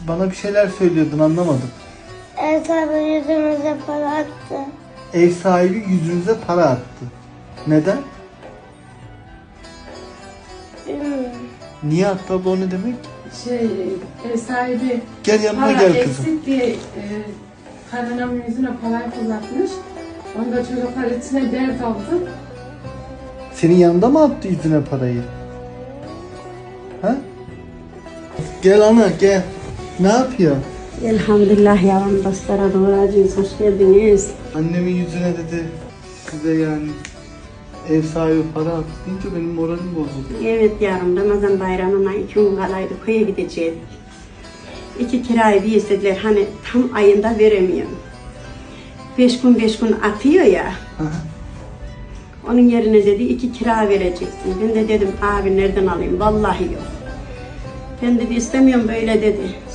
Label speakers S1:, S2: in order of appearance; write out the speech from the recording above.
S1: Bana bir şeyler söylüyordun, anlamadım.
S2: Ev sahibi yüzümüze para attı.
S1: Ev sahibi yüzünüze para attı. Neden?
S2: Bilmiyorum.
S1: Niye attı abla, o ne demek?
S3: Ev sahibi
S1: Gel yanıma
S3: para
S1: gel kızım.
S3: eksik diye kaynanamın yüzüne parayı fırlatmış. Onda çocuklar içine dert aldı.
S1: Senin yanında mı attı yüzüne parayı? Ha? Gel ana gel. Ne yapıyor?
S4: Elhamdülillah yavrum, dostlara doğracıyız. Hoş geldiniz.
S1: Annemin yüzüne dedi size yani ev sahibi para attı deyince benim moralim bozuldu.
S4: Evet yavrum, Ramazan bayramına 2 gün kalaydı, köye gideceğiz. 2 kirayı bir istediler, hani tam ayında veremiyorum. 5 gün atıyor ya. Onun yerine dedi 2 kira vereceksin. Ben de dedim abi nereden alayım, vallahi yok. Ben dedi istemiyorum böyle dedi.